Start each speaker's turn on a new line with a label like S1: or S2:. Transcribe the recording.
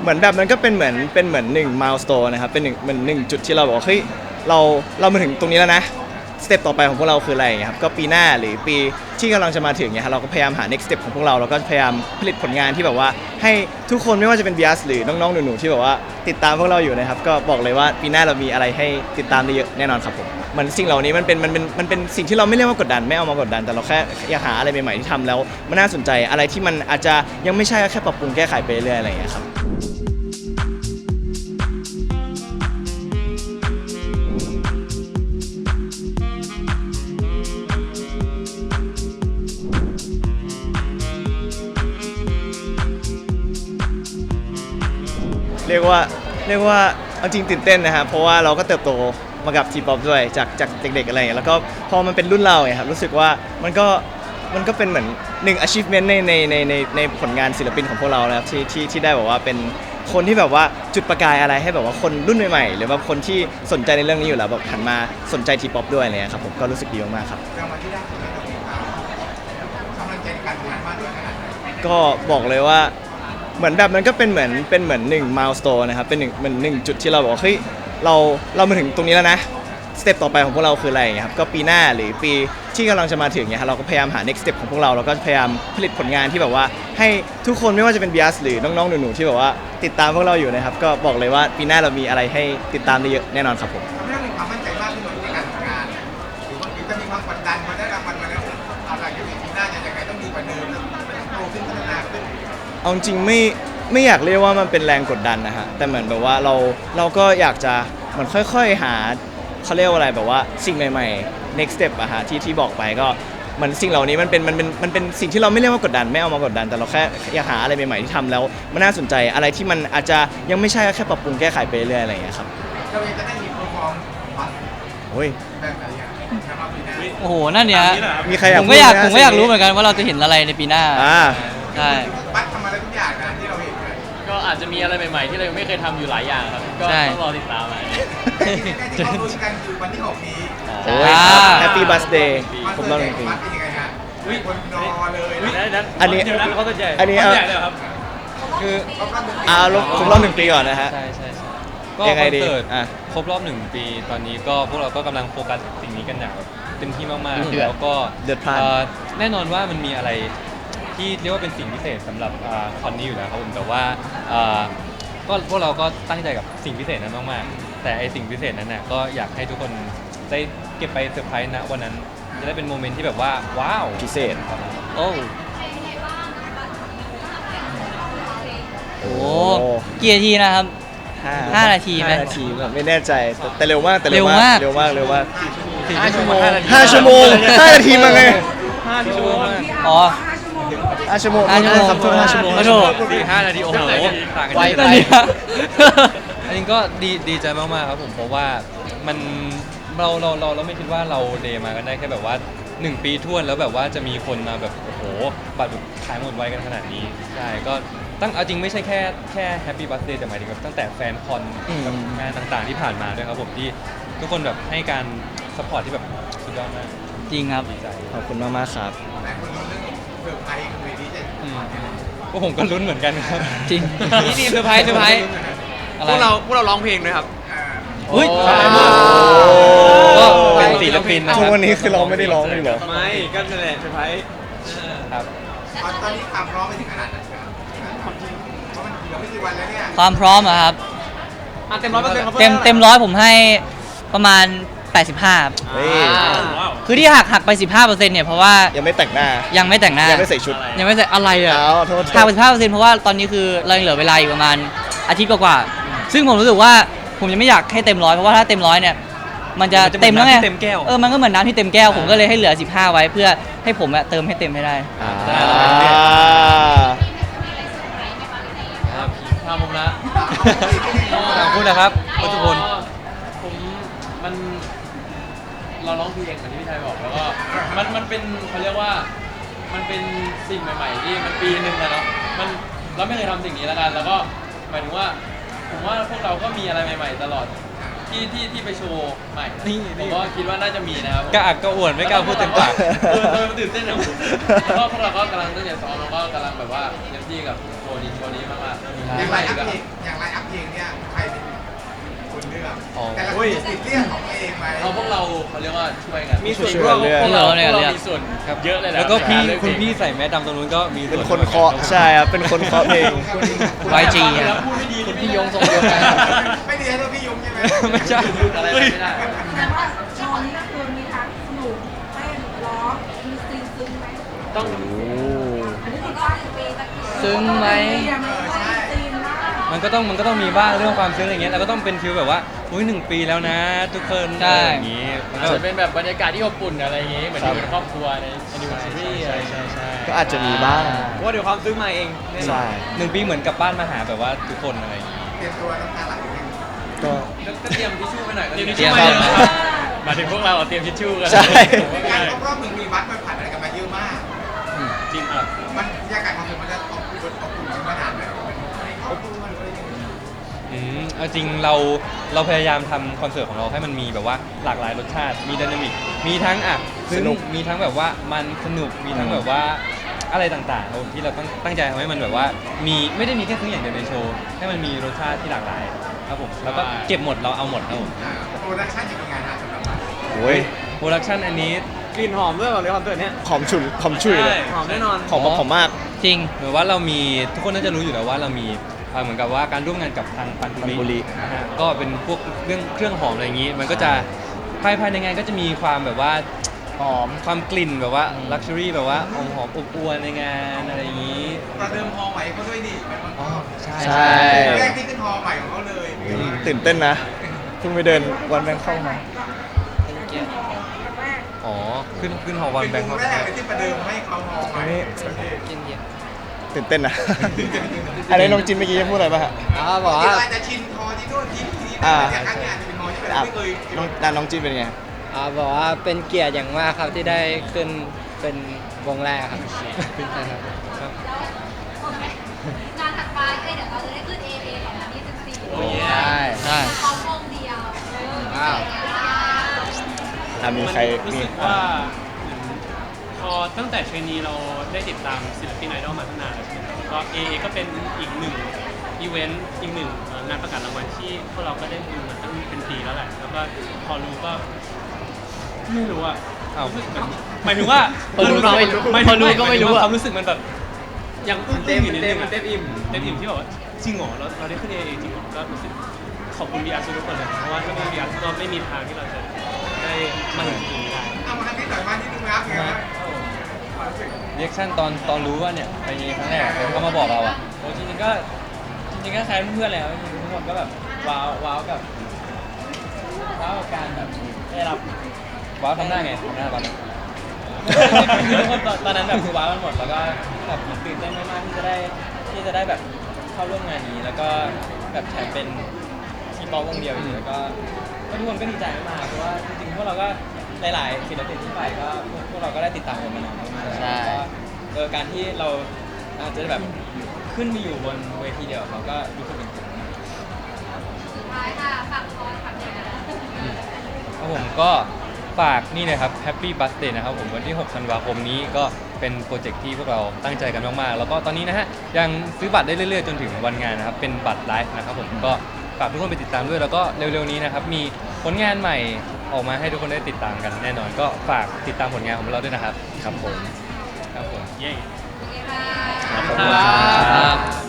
S1: เหมือนแบบมันก็เป็นเหมือนหนึ่งมายสโตนนะครับเป็นหนึ่งจุดที่เราบอกว่าเฮ้ยเรามาถึงตรงนี้แล้วนะสเต็ปต่อไปของพวกเราคืออะไรอย่างเงี้ยครับก็ปีหน้าหรือปีที่กำลังจะมาถึงเนี่ยเราก็พยายามหา next step ของพวกเราก็พยายามผลิตผลงานที่แบบว่าให้ทุกคนไม่ว่าจะเป็น BIAS หรือน้องๆหนูๆที่แบบว่าติดตามพวกเราอยู่นะครับก็บอกเลยว่าปีหน้าเรามีอะไรให้ติดตามได้เยอะแน่นอนครับผมมันสิ่งเหล่านี้มันเป็นสิ่งที่เราไม่เรียกว่ากดดันไม่เอามากดดันแต่เราแค่อยากหาอะไรใหม่ๆที่ทำแล้วมันน่าสนใจอะไรที่มันอาจจะยังไม่ใช่แค่ปรับปรุงแก้ไขไปเรื่อยๆอะไรอย่างเงี้ยครับเรียกว่าเอาจริงตื่นเต้นนะครับเพราะว่าเราก็เติบโตมากับทีป๊อปด้วยจากเด็กๆอะไรอย่างเงี้ยแล้วก็พอมันเป็นรุ่นเราเนี่ยครับรู้สึกว่ามันก็เป็นเหมือนหนึ่ง achievement ในผลงานศิลปินของพวกเราแล้วที่ได้แบบว่าเป็นคนที่แบบว่าจุดประกายอะไรให้แบบว่าคนรุ่นใหม่ๆหรือว่าคนที่สนใจในเรื่องนี้อยู่แล้วแบบหันมาสนใจทีป๊อปด้วยอะไรเงี้ยครับผมก็รู้สึกดีมากๆครับ
S2: รางวัลที่ได้ของเรากำลังใจในการทำงานมากด้วยขนาดไหน
S1: ก็บอกเลยว่าเหมือนแบบมันก็เป็นเหมือนหนึ่งมายสโตนนะครับเป็นหนึ่งจุดที่เราบอกว่าเฮ้ยเรามาถึงตรงนี้แล้วนะสเต็ปต่อไปของพวกเราคืออะไรอย่างเงี้ยครับก็ปีหน้าหรือปีที่กำลังจะมาถึงเนี่ยเราก็พยายามหา next step ของพวกเราก็พยายามผลิตผลงานที่แบบว่าให้ทุกคนไม่ว่าจะเป็น BIAS หรือน้องๆหนูๆที่แบบว่าติดตามพวกเราอยู่นะครับก็บอกเลยว่าปีหน้าเรามีอะไรให้ติดตามได้เยอะแน่นอนครับผม
S2: ทำให้เรามีความมั่นใจมากขึ้นในการทำงานหรือว่าจะมีความกดดันพอได้รางวัลมาแล้วอะไรอย่างนี้ปีหน้าจะยังไงต้องดีกว่าเดิมต้องโตขึ้นพัฒนาขึ้น
S1: เอาจริงไม่อยากเรียกว่ามันเป็นแรงกดดันนะฮะแต่เหมือนแบบว่าเราก็อยากจะเหมือนค่อยๆหาเขาเรียกว่าอะไรแบบว่าสิ่งใหม่ๆ next step อะฮะที่บอกไปก็มันสิ่งเหล่านี้มันเป็นสิ่งที่เราไม่เรียกว่ากดดันไม่เอามากดดันแต่เราแค่อยากหาอะไรใหม่ๆที่ทำแล้วมันน่าสนใจอะไรที่มันอาจจะยังไม่ใช่แค่ปรับปรุงแก้ไขไปเรื่อยๆอะไรอย่างเงี้ยครับ
S2: เราจะได้มีโปรฟอร์มบัส
S1: โอ้ย
S2: แบบไหนอ่ะนะครับปีหน้า
S3: โอ้โหนั่นเนี่ย
S1: มีใครอยาก
S3: ผมก็อยากรู้เหมือนกันว่าเราจะเห็นอะไรในปีหน้าใช่
S2: บัสทำอะไรทุกอย่างนะที่เราเห็นเลย
S4: ก็อาจจะมีอะไรใหม่ๆที่เรายังไม่เคยทำอยู่หลายอย่างครับก็ต้องรอติดตามไป
S2: ที่เขาคุยกันคือวันที่6นี้
S1: โอ้ยแฮปปี้บัสเดย์ผมต้องจริง
S2: บัสเป็นยังไงฮะคนรอเลย
S1: อันนี้
S4: เขาตัวใหญ่
S1: อันนี้
S4: ใหญ่เลยครับ
S3: คือ
S1: ครบรอบ1 ปีก่อนนะฮะ
S5: ใช่ก็คอนเสิร์ตครบรอบ1 ปีตอนนี้ก็พวกเราก็กำลังโฟกัสสิ่งนี้กันอย่างเต็มที่มากๆแล้วก็แน่นอนว่ามันมีอะไรที่เรียกว่าเป็นสิ่งพิเศษสำหรับคอนนี้อยู่แล้วครับผมแต่ว่าก็พวกเราก็ตั้งใจกับสิ่งพิเศษนั้นมากๆแต่ไอสิ่งพิเศษนั้นน่ะก็อยากให้ทุกคนได้เก็บไปเซอร์ไพรส์ณวันนั้นจะได้เป็นโมเมนต์ที่แบบว่าว้าว
S1: พิเศษ
S3: โอ้กี่นาทีนะครับ5 นาทีไหม
S1: 5 นาทีไม่แน่ใจแต่เร็วมาก
S3: เร็วมาก
S5: 5 ชั่วโมง
S1: 5 ชั่วโมง5 นาทีมาไง
S5: 5 ชั่วโมง
S3: อ๋อ
S1: 5 ชั่วโมงครับทุก5 ชั่วโมง
S5: 5 นาทีโอ้โหต่างกัน
S3: ไวไป
S5: อันนี้ก็ดีใจมากๆครับผมเพราะว่ามันเราไม่คิดว่าเราเดย์มากันได้แค่แบบว่า1 ปีท้วนแล้วแบบว่าจะมีคนมาแบบโอ้โหบัตรขายหมดไวกันขนาดนี้ใช่ก็เอาจริงไม่ใช่แค่แฮปปี้บัสเดย์แต่หมายถึงแบบตั้งแต่แฟนคอนกับงานต่างๆที่ผ่านมาด้วยครับผมที่ทุกคนแบบให้การซัพพอร์ตที่แบบสุดยอดมาก
S3: จริงครับ
S5: ดีใจ
S1: ขอบคุณมากๆครับ
S2: เซอร์ไพรส์คือเวทีจะ
S5: พวกผมก็ลุ้นเหมือนกันครับ
S3: จริง
S4: นี่เซอร์ไพรส์พวกเราร้องเพลงด้วยครับ
S3: อุ้ย
S5: ก็เป็นศิลปินนะ
S1: ทุกวันนี้คือเราไม่ได้ร้องเลยหรอ
S4: ไม่ก็นั่นแหละเซอร์ไพรส์
S5: ครับ
S2: ตอนนี้ความพร้อมไปถึงขนาดไหนครับเพราะมันเหลือไม่กี่วันแล้วเนี่ย
S3: ความพร้อมอะครับ
S4: เต็ม100%
S3: เต็ม100ผมให้ประมาณ85คือที่หักไป15%เนี่ยเพราะว่า
S1: ยังไม่แต่งหน้า
S3: ยังไม่แต่งหน้า
S1: ยังไม่ใส่ชุด
S3: ยังไม่ใส่อะไรอ่ะหักไป15%เพราะว่าตอนนี้คือเราเหลือเวลาอีกประมาณอาทิตย์กว่าซึ่งผมรู้สึกว่าผมยังไม่อยากให้เต็ม100เพราะว่าถ้าเต็ม100เนี่ยมันจะเต็มแล้วไงมันก็เหมือนน้ำที่เต็มแก้วผมก็เลยให้เหลือ15ไว้เพื่อให้ผมเติมให้เต็มให้ได้
S4: ทำผมนะ
S5: พูดนะครับทุกคน
S4: เราร้องเพลงเหมือนที่พี่ชายบอกแล้วก็มันเป็นเขาเรียกว่ามันเป็นสิ่งใหม่ๆที่มันปีนึงนะเนาะเราไม่เคยทำสิ่งนี้แล้วกันแล้วก็หมายถึงว่าผมว่าพวกเราก็มีอะไรใหม่ๆตลอดที่ไปโชว์ใหม่ผมก็คิดว่าน่าจะมีนะครับ
S5: กล้าอักก็อวดไม่กล้าพูดเต็มปาก
S4: มันตื่นเต้นนะแล้วก็พวกเราก็กำลังตั้งใจซ้อมแล้วก็กำลังแบบว่าเต็มที่กับโชว์นี้มากๆ
S2: อย่างไรครับติดเรียกของตัวเองไหม
S4: พวกเราเขาเรียกว่าช่วยกัน
S5: มีส่วน
S1: ช่วย
S5: ร่วม
S1: เลือก
S3: พวกเราเนี่ย
S4: พวก
S3: เลือก
S4: เรามีส่วนเยอะเลยแหละ
S5: แล้วก็พี่
S4: ในารเลือ
S5: คุณ
S4: เพลง
S5: พี่ใส่แมสดำตรงนู้นก็มี
S1: เป็นคนเคาะใช่ครับเป็นคนเคาะเพลง
S3: YG
S4: แล้
S3: อ่ะ
S4: วพูดไม่ดี
S3: คุณพี่ยงทรงเดียวกัน
S2: ไม่ดีให้ตัวพี่ยุงใช่ไหม
S5: ไม่ใช่
S4: พูดอะไรไม่ได้
S6: แต่ว่าโชว์นี้ก็คือมีทั้งสนุกเต้นร้องมีซีนซึ้งไหม
S4: ต้อง
S6: อันนี้ติดป้ายอยู่ปีตะกี้
S3: ซึ้งไหม
S6: ยังไม่ได้ซีนมาก
S5: มันก็ต้องมีบ้างเรื่องความซึ้งอะไรเงี้ยแล้วก็ต้องเป็นฟิลแบบว่าอุ้ย1 ปีแล้วนะ ทุกคน
S3: ใช่
S5: อย่างงี้มัน
S4: อาจ
S5: ก็
S4: จะเป็นแบบบรรยากาศที่อบอุ่นอะไรอย่างงี้เหมือนอยู่เป็นครอบครัวในนิวซีรีส์อะไรอย่างเงี้ย
S5: ใช่
S1: ก็อาจจะมีบ้าง
S5: เพราะว่าเดี๋ยวความซึ้งมาเองแน่นอน
S1: ใช่
S5: 1 ปีเหมือนกลับบ้านมาหาแบบว่าทุกคนอะไรอย่างงี้
S2: เตรียมตัวน้ำตาไหลอยู่
S1: ก็
S4: ก็เตรียมทิชชู่ไปหน่อยก็
S3: เตรี
S4: เตรี
S3: ย
S4: ย
S3: ม
S4: ม
S3: ค
S4: ทิ
S3: รั
S4: ช
S3: บ
S4: ชู่ไปหมายถึงพวกเราเตรียมทิชชู่กัน
S1: ใช่
S2: การครบรอบ1 ปีบัสมันผ่านอะไรกันมาเยอะมาก
S4: จริงอ่ะ
S2: มันบรรยากาศความสุขมันจะอบอุ่นขนาดไหนครอบครัวหรืออะไรอย่างเงี้ย
S5: เอาจริงเราพยายามทำคอนเสิร์ตของเราให้มันมีแบบว่าหลากหลายรสชาติ มีไดนามิก มีทั้งซึ้
S1: ส
S5: ง
S1: นุก
S5: มีทั้งแบบว่ามันสนุก มีทั้งแบบว่าอะไรต่างๆครับผมที่เราตั้งใจทำให้มันแบบว่ามีไม่ได้มีแค่ซึ้งอย่างเดียวในโชว์ ให้มันมีรสชาติที่หลากหลายครับผมแล้วก็เก็บหมดเราเอาหมดครับผม
S2: โปรดักชั่นจะเป็นไงฮะสำหรับบัส
S1: โอ้ย
S5: โปรดักชันอันนี้กลิ่นหอมด้วยเลยคอนเสิร์ตเนี้ย
S1: หอมฉุนหอมฉุยเลย
S5: หอมแน่นอน
S1: หอมแบบหอมมาก
S3: จริง
S5: เหมือนว่าเรามีทุกคนน่าจะรู้อยู่แล้วว่าเรามีเหมือนกับว่าการร่วมงานกับทางปัน
S1: ปันบุรี
S5: นะฮะก็เป็นพวกเรื่องเครื่องหอมอะไรอย่างนี้ มันก็จะภายในงานก็จะมีความแบบว่าหอมความกลิ่นแบบว่าลักชัวรี่แบบว่าหอมอบอวลในงานอะไรอย่างนี้
S2: ประเดิมฮอลใหม่เขาด้วยดิมัน
S5: อ๋อใช่
S1: ใช่
S2: แรกที่ขึ้นฮอลใหม่ของเขาเลย
S1: ตื่นเต้นนะเพิ่งไปเดินวันแบงค์เข้ามา
S5: อ๋อขึ้นหอวัน
S2: เป็น
S5: แบงค์
S2: ว
S5: คอง ก
S2: แรกเลยที่ประเดิมให้เขาฮอลใหม่
S1: ตื่นเต้นนะ อันนี้น้องจินเมื่อกี้จะพูดอะไรป่ะฮะ
S2: บอกว่าอาจจะชินฮอที่นู่นที่นี่แต่ครั้งนี้อาจจะเป็นฮอที่แบบไม่เคย
S1: น้องจินเป็นไง
S7: บอกว่าเป็นเกียรติอย่างมากครับที่ได้ขึ้นเป็นวงแรกครับครับ
S8: งานถัดไปเดี๋ยวเราจะได้ขึ้น AA 2024
S4: โอ้ย
S3: ใช่
S8: พร้อมวงเดียว
S7: ว้าว
S1: มีใคร
S9: รู้
S1: มี
S9: สึกว่าพอตั้งแต่เทรนนีเราได้ติดตามศิลปินไอดอลมาตั้งนานแล้วใช่ไหมครับแล้วก็ AA ก็เป็นอีกหนึ่งอีเวนต์อีกหนึ่งงานประกาศรางวัลที่พวกเราก็ได้ดูมาตั้งเป็นปีแล้วแหละแล้วก็พอรู้ก็ไม่รู้อ่ะ
S5: อ้าว
S9: รู้สึกแบบหมายถึงว่า
S3: พอรู้ก็ไม่รู้
S9: หาย
S3: พ
S9: ถึ
S3: อง รู้ก็ไม่รู้อะ
S9: ความรู้สึกมันแบบยังอึ้งๆอยู่นิดนึงอะ
S5: เต็มอิ่ม
S9: เต็มอิ่มที่แบบว่าจริงเหรอเราได้ขึ้น AA จริงเหรอก็รู้สึกขอบคุณบีอาร์ทุกคนเลยเพราะว่าถ้าไม่มีบีอาร์ก็ไม่มีทางที่เราจะได้มาถึงจุดนี้ได้
S2: เอามาทำที่ต่อยมาที่นึงรับไงนะ
S5: เรียกชั่นตอนรู้ว่าเนี่ยไปครั้งแรกเขามาบอกเราอ่ะ
S4: โอ้จริงๆก็คล้ายเพื่อนๆแล้วทุกคนก็แบบว้าวกับการแบบได้รับ
S5: ว้าวทำหน้าไงทำหน้าตอนนั้น
S4: ทุกคนตอนนั้นแบบว้าวกันหมดแล้วก็แบบตื่นเต้นมากๆที่จะได้แบบเข้าร่วมงานนี้ แล้วก็แบบแถมเป็นทีป๊อปวงเดียวอยู่แล้วก็ทุกคนก็ดีใจมากๆเพราะว่าจริงๆพวกเราก็หลายๆศิลปินที่ไปก็พวกเราก็ได้ติดตามกันมานานมากๆ
S3: ใช่
S4: แล้วก็การที่เราอาจจะแบบขึ้นมาอยู่บนเวทีเดียวกับเขาก็รู้สึกเป็นเกียรติมาก
S8: สุดท้ายค่ะฝากคอนฝากงาน
S5: ครับผมก็ฝากนี่นะครับ Happy Birthday นะครับผมวันที่ 6 ธันวาคมนี้ก็เป็นโปรเจกต์ที่พวกเราตั้งใจกันมากๆ แล้วก็ตอนนี้นะฮะยังซื้อบัตรได้เรื่อยๆ จนถึงวันงานนะครับ เป็นบัตรไลฟ์นะครับผมก็ฝากทุกคนไปติดตามด้วย แล้วก็เร็วๆนี้นะครับ มีผลงานใหม่ออกมาให้ทุกคนได้ติดตามกันแน่นอน ก็ฝากติดตามผลงานของเราด้วยนะครับ
S1: ครับผม
S5: ครับผม
S9: เย้
S8: โอเคค่ะ
S1: ขอบคุณ
S3: ครับ